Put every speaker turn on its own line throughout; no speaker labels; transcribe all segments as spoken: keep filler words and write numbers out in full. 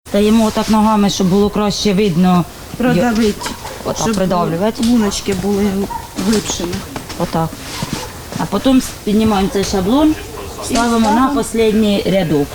Стаємо отак ногами, щоб було краще видно.
Продавити,
Отак
щоб
придавлювати.
луночки були глибшими.
Отак. А потім піднімаємо цей шаблон, ставимо на останній рядок.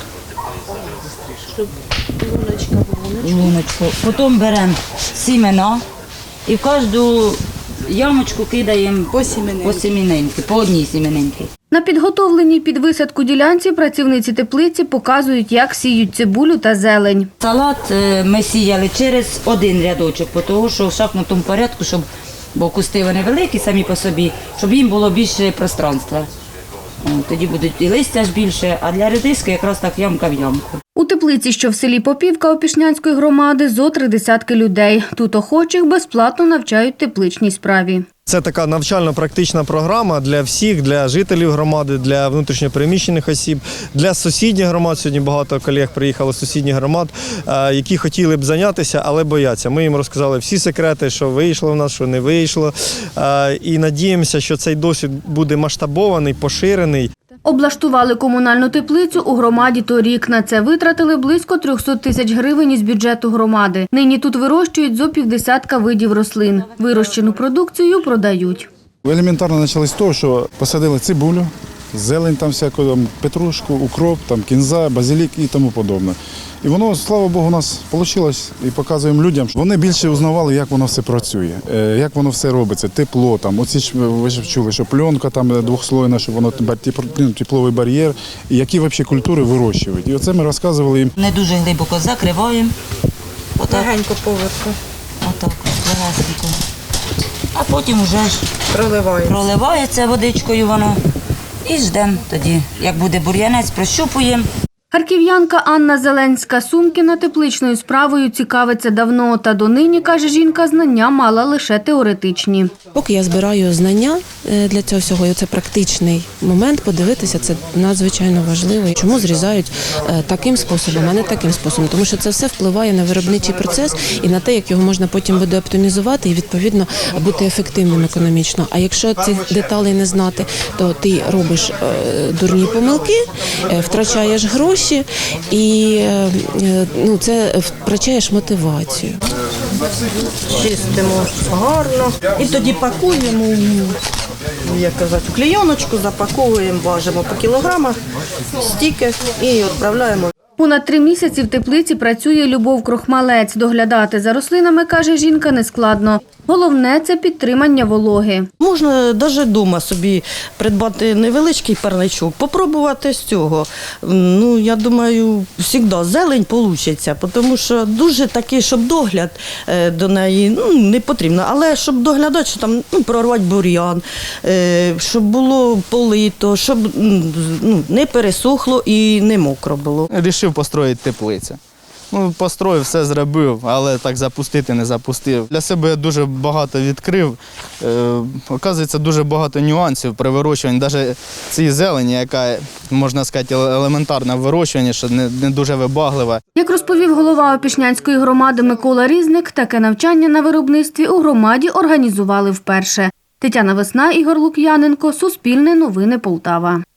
Щоб луночка була.
Луночку. Потім беремо сімена і в кожну ямочку кидаємо
По сімінинки.
по сімінинки, по одній сімінинці.
На підготовленій під висадку ділянці працівниці теплиці показують, як сіють цибулю та зелень.
Салат е, ми сіяли через один рядочок, тому що в шахматному порядку, щоб, бо кусти вони великі самі по собі, щоб їм було більше пространства. О, тоді будуть і листя ж більше, а для редиски якраз так ямка в ямку.
У теплиці, що в селі Попівка Опішнянської громади, зо три десятки людей. Тут охочих безплатно навчають тепличній справі.
Це така навчально-практична програма для всіх, для жителів громади, для внутрішньопереміщених осіб, для сусідніх громад. Сьогодні багато колег приїхало з сусідніх громад, які хотіли б зайнятися, але бояться. Ми їм розказали всі секрети, що вийшло в нас, що не вийшло. І надіємося, що цей досвід буде масштабований, поширений.
Облаштували комунальну теплицю у громаді торік. На це витратили близько трьохсот тисяч гривень із бюджету громади. Нині тут вирощують зо півдесятка видів рослин. Вирощену продукцію продають.
Елементарно почали з того, що посадили цибулю, зелень, там всяку, там, петрушку, укроп, там, кінза, базилік і тому подобне. І воно, слава Богу, у нас вийшло і показуємо людям. Вони більше узнавали, як воно все працює, як воно все робиться, тепло. Там. Оці ж, ви ж чули, що пленка там двохслойна, щоб воно тепловий бар'єр, і які взагалі культури вирощують. І оце ми розказували їм.
Не дуже глибоко закриваємо. Отак,
Легенько поверху.
отак, легесенько. А потім вже ж
Проливаємо.
проливається водичкою воно і ждемо тоді. Як буде бур'янець, прощупуємо.
Харків'янка Анна Зеленська-Сумкіна тепличною справою цікавиться давно. Та донині, каже жінка, знання мала лише теоретичні.
Поки я збираю знання для цього всього, і це практичний момент, подивитися, це надзвичайно важливо. Чому зрізають таким способом, а не таким способом? Тому що це все впливає на виробничий процес і на те, як його можна потім буде оптимізувати і, відповідно, бути ефективним економічно. А якщо цих деталей не знати, то ти робиш дурні помилки, втрачаєш гроші, і ну, це втрачаєш мотивацію.
Чистимо гарно. І тоді пакуємо, як казати, в клейоночку, запаковуємо, важимо по кілограмах, стільки і відправляємо.
Понад три місяці в теплиці працює Любов Крохмалець. Доглядати за рослинами, каже жінка, нескладно. Головне – це підтримання вологи.
Можна навіть вдома собі придбати невеличкий парничок, попробувати з цього. Ну, я думаю, завжди зелень вийде, тому що дуже такий, щоб догляд до неї ну, не потрібно. Але щоб доглядати, що там ну, прорвати бур'ян, щоб було полито, щоб ну, не пересохло і не мокро було.
Рішив построїти теплицю. Ну, построїв, все зробив, але так запустити не запустив. Для себе я дуже багато відкрив. Е, оказується, дуже багато нюансів при вирощуванні. Навіть цієї зелені, яка, можна сказати, елементарна в вирощуванні, що не, не дуже вибаглива.
Як розповів голова Опішнянської громади Микола Різник, таке навчання на виробництві у громаді організували вперше. Тетяна Весна, Ігор Лук'яненко, Суспільне новини Полтава.